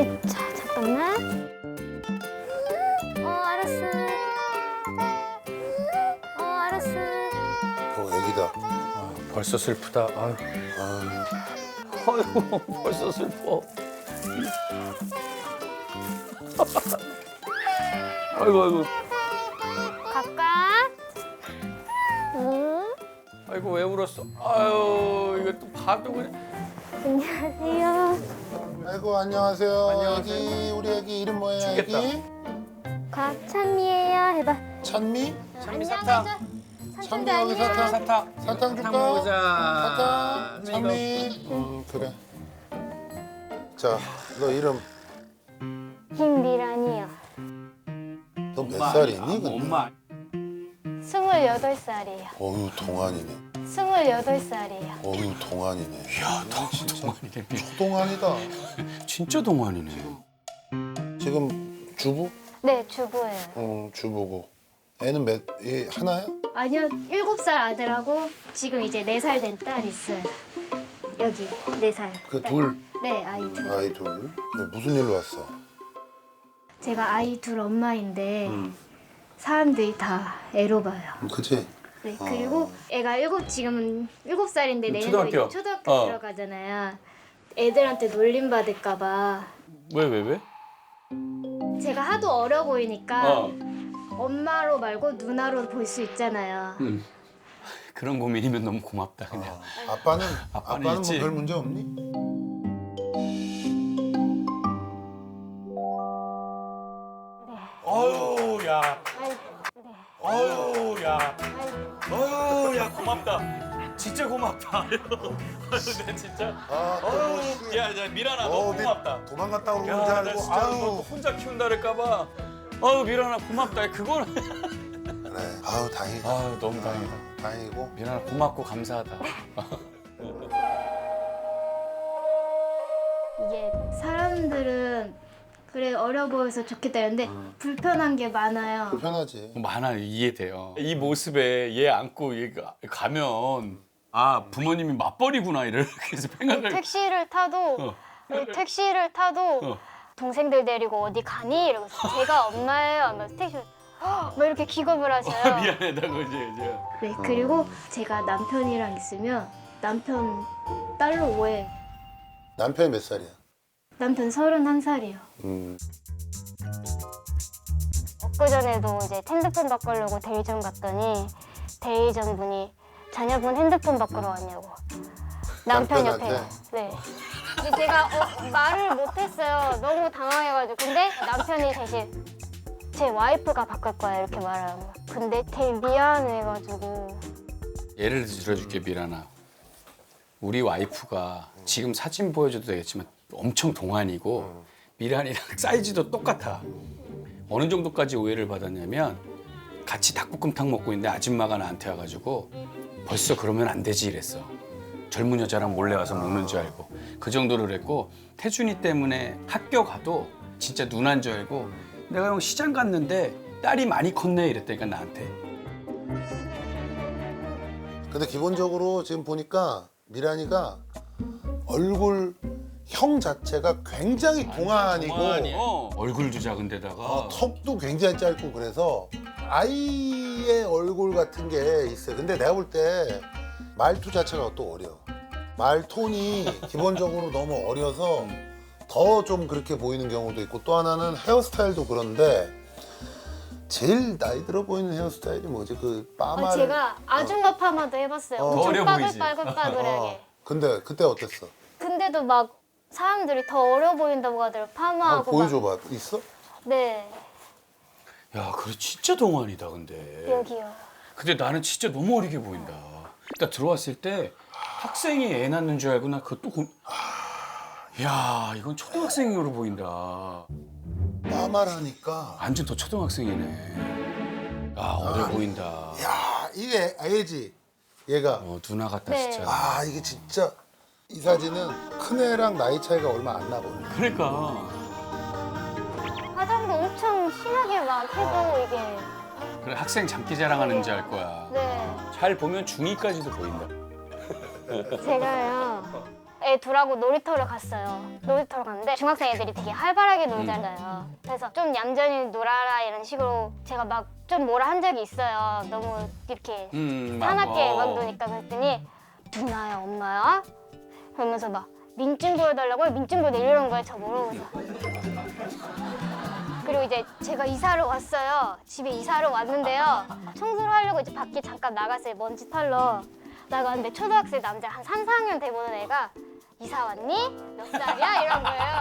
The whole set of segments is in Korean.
자, 잠깐만. 알았어. 알았어. 애기다. 벌써 슬프다. 아유. 아유, 벌써 슬퍼. 아이고, 아이고. 갈까? 응? 아이고, 왜 울었어? 아유, 이거 또 봐도 그냥. 안녕하세요. 아이고 안녕하세요. 안녕하세요. 애기 우리 애기 이름 뭐예요? 죽겠다. 애기? 곽찬미예요. 해봐. 찬미? 찬미 안녕, 사탕. 해줘. 찬미 삼촌도 여기 안녕. 사탕. 사탕. 사탕 줄까? 먹자. 사탕. 찬미. 그래. 자, 너 이름 김미란이요. 너 몇 살이니? 근데? 엄마. 28살이에요. 어유 동안이네. 28살이에요. 어유 동안이네. 야, 너 진짜 동안이네. 초동안이다. 진짜 동안이네. 지금 주부? 네, 주부예요. 주부고. 애는 얘 하나야? 아니요, 7살 아들하고 지금 이제 4살 된 딸 있어요. 여기 4살. 그 둘, 네, 아이 둘. 아이 둘. 무슨 일로 왔어? 제가 아이 둘 엄마인데 사람들이 다 애로 봐요. 그치? 네, 그리고 애가 지금은 7살인데 내년에 초등학교. 이제 초등학교 어. 들어가잖아요. 애들한테 놀림 받을까 봐 왜? 제가 하도 어려 보이니까 어. 엄마로 말고 누나로 볼 수 있잖아요. 그런 고민이면 너무 고맙다, 그냥. 아빠는 아빠는 뭐 있지. 별 문제 없니? 어유, 야. 아이, 네. 어유, 야. 아이, 어유, 야, 고맙다. 진짜 고맙다. 아유, 내 진짜. 어유, 야, 미란아, 너무 고맙다. 도망갔다 오는 줄 야, 나 알고. 진짜 너 혼자 키운다 그럴까봐. 아유, 미란아, 고맙다. 그거는. 그래. 아우 다행이다. 아유, 너무 다행이다. 다행이고. 미란아, 고맙고 감사하다. 이게 사람들은 그래 어려 보여서 좋겠다 했는데 불편한 게 많아요. 불편하지. 많아요, 이해돼요. 이 모습에 얘 안고 얘가 가면 아, 부모님이 맞벌이구나 이렇게 해서 생각을. 택시를 타도 동생들 데리고 어디 가니? 이러면서 제가 엄마예요 하면서 택시를 막 이렇게 기겁을 하셔요. 미안하다고 이제. 네, 그리고 제가 남편이랑 있으면 남편 딸로 오해. 남편이 몇 살이야? 남편 31살이요. 엊그전에도 이제 핸드폰 바꾸려고 대리점 갔더니 대리점 분이 자녀분 핸드폰 바꾸러 왔냐고. 남편 옆에. 남편한테? 네. 근데 제가 말을 못했어요. 너무 당황해가지고. 근데 남편이 대신 제 와이프가 바꿀 거야 이렇게 말하는 거. 근데 되게 미안해가지고. 예를 들어줄게, 미란아. 우리 와이프가 지금 사진 보여줘도 되겠지만 엄청 동안이고 미란이랑 사이즈도 똑같아. 어느 정도까지 오해를 받았냐면 같이 닭볶음탕 먹고 있는데 아줌마가 나한테 와가지고 벌써 그러면 안 되지 이랬어. 젊은 여자랑 몰래 와서 먹는 줄 알고. 그 정도로 그랬고 태준이 때문에 학교 가도 진짜 누난 줄 알고 내가 형 시장 갔는데 딸이 많이 컸네 이랬다니까 나한테. 근데 기본적으로 지금 보니까 미란이가 얼굴형 자체가 굉장히 동안이고 얼굴도 작은데다가 턱도 굉장히 짧고 그래서 아이의 얼굴 같은 게 있어요. 근데 내가 볼 때 말투 자체가 또 어려. 말 톤이 기본적으로 너무 어려서 더 좀 그렇게 보이는 경우도 있고 또 하나는 헤어스타일도 그런데 제일 나이 들어 보이는 헤어스타일이 뭐지? 그 빠마를 제가 아줌마 파마도 해봤어요. 더 엄청 어려 보이지? 빠글빠글빠글하게. 근데 그때 어땠어? 근데도 막 사람들이 더 어려 보인다고 하더라고. 파마하고 막. 보여줘봐. 있어? 네, 야, 그래 진짜 동안이다 근데. 여기요. 근데 나는 진짜 너무 어리게 보인다. 나 들어왔을 때 학생이 애 낳는 줄 알고 나 그것도 야, 이건 초등학생으로 보인다. 빠마를 하니까 완전 더 초등학생이네. 야, 어려 보인다. 야 이게 애지 얘가 누나 같다 네. 진짜. 아 이게 진짜 이 사진은 큰애랑 나이 차이가 얼마 안 나거든요. 그러니까. 화장도 엄청 심하게 막 해도 이게. 그래, 학생 장기 자랑하는 줄 알 거야. 네. 잘 보면 중2까지도 보인다. 제가요. 애 둘하고 놀이터를 갔어요. 놀이터를 갔는데 중학생 애들이 되게 활발하게 놀잖아요. 그래서 좀 얌전히 놀아라 이런 식으로 제가 막 좀 뭐라 한 적이 있어요. 너무 이렇게 사납게 막 노니까. 그랬더니 누나야 엄마야? 그러면서 막 민증 보여달라고요? 민증 보여 이러는 거예요 저보고. 그리고 이제 제가 이사를 왔어요. 집에 이사를 왔는데요. 청소를 하려고 이제 밖에 잠깐 나갔어요. 먼지 털러 나갔는데 초등학생 남자 한 3, 4학년 돼 보는 애가 이사 왔니? 몇 살이야? 이런 거예요.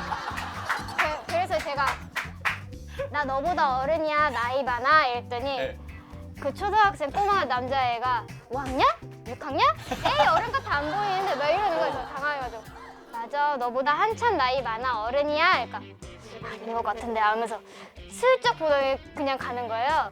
그래서 제가 나 너보다 어른이야 나이 많아 이랬더니 그 초등학생 꼬마 남자애가 5학년? 6학년? 에이 어른 같아 안 보이는데 막 이러는 거예요. 저 당황해가지고 맞아 너보다 한참 나이 많아 어른이야? 그러니까 아닌 것 같은데 하면서 슬쩍 보더니 그냥 가는 거예요.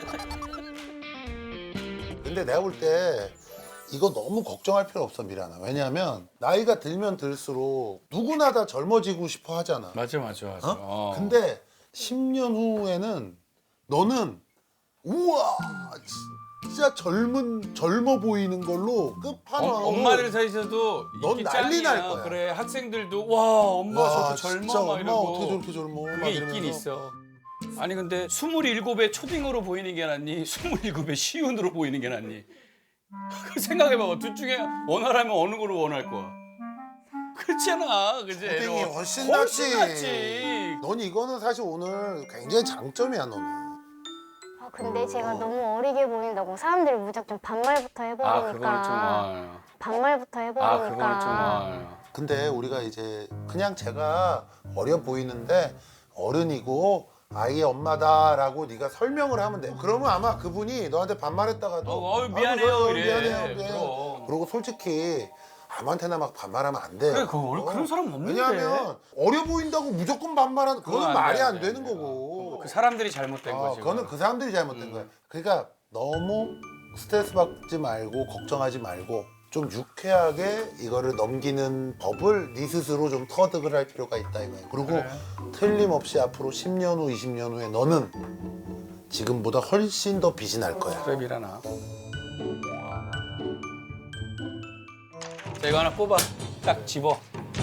근데 내가 볼 때 이거 너무 걱정할 필요 없어 미란아. 왜냐하면 나이가 들면 들수록 누구나 다 젊어지고 싶어 하잖아. 맞아. 근데 10년 후에는 너는 우와 진짜 젊어 보이는 걸로 끝판왕. 엄마들 사이에서도 넌 인기 난리 짱이야. 날 거야. 그래 학생들도 와 엄마 저렇게 젊어 진짜 막 엄마 이러고. 어떻게 저렇게 젊어 막 그게 있긴 이러면서. 있어. 아니 근데 27에 초딩으로 보이는 게 낫니? 27에 시운으로 보이는 게 낫니? 생각해봐봐. 둘 중에 원하라면 어느 거를 원할 거야? 그렇잖아. 그지? 초딩이 훨씬 훨씬 낫지. 낫지. 넌 이거는 사실 오늘 굉장히 장점이야 너는. 근데 제가 너무 어리게 보인다고 사람들이 무작정 반말부터 해버리니까 그거는 좀 반말부터 해버리니까 그거는 좀 근데 우리가 이제 그냥 제가 어려 보이는데 어른이고 아이의 엄마다라고 네가 설명을 하면 돼. 그러면 아마 그분이 너한테 반말했다가도 미안해요 이래. 미안해요. 그리고 솔직히 아무한테나 막 반말하면 안 돼요. 그래 그런 사람 없는데. 왜냐하면 어려 보인다고 무조건 반말하는 그건 그거는 안 말이 돼, 안 안 돼, 되는 안 돼. 거고. 그 사람들이 잘못된 거지. 그거는 그 사람들이 잘못된 거야. 그러니까 너무 스트레스 받지 말고 걱정하지 말고 좀 유쾌하게 이거를 넘기는 법을 네 스스로 좀 터득을 할 필요가 있다 이거야. 그리고 틀림없이 앞으로 10년 후, 20년 후에 너는 지금보다 훨씬 더 빛이 날 거야. 그래 미라나. 자 이거 하나 뽑아. 딱 집어.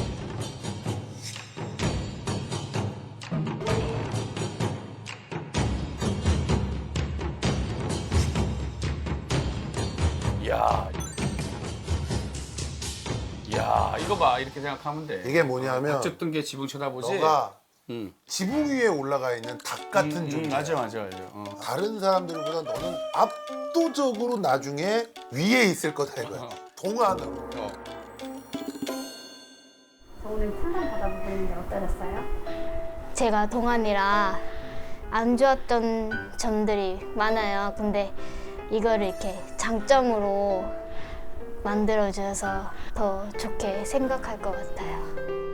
야 이거 봐 이렇게 생각하면 돼. 이게 뭐냐면 어쨌든 게 지붕 쳐다보지. 너가 응. 지붕 위에 올라가 있는 닭 같은 존재야. 맞아. 다른 사람들보다 너는 압도적으로 나중에 위에 있을 거다 이거야. 동안으로. 오늘 상담 받아보셨는데 어떠셨어요? 제가 동안이라 안 좋았던 점들이 많아요. 근데 이거를 이렇게 장점으로 만들어줘서 더 좋게 생각할 것 같아요.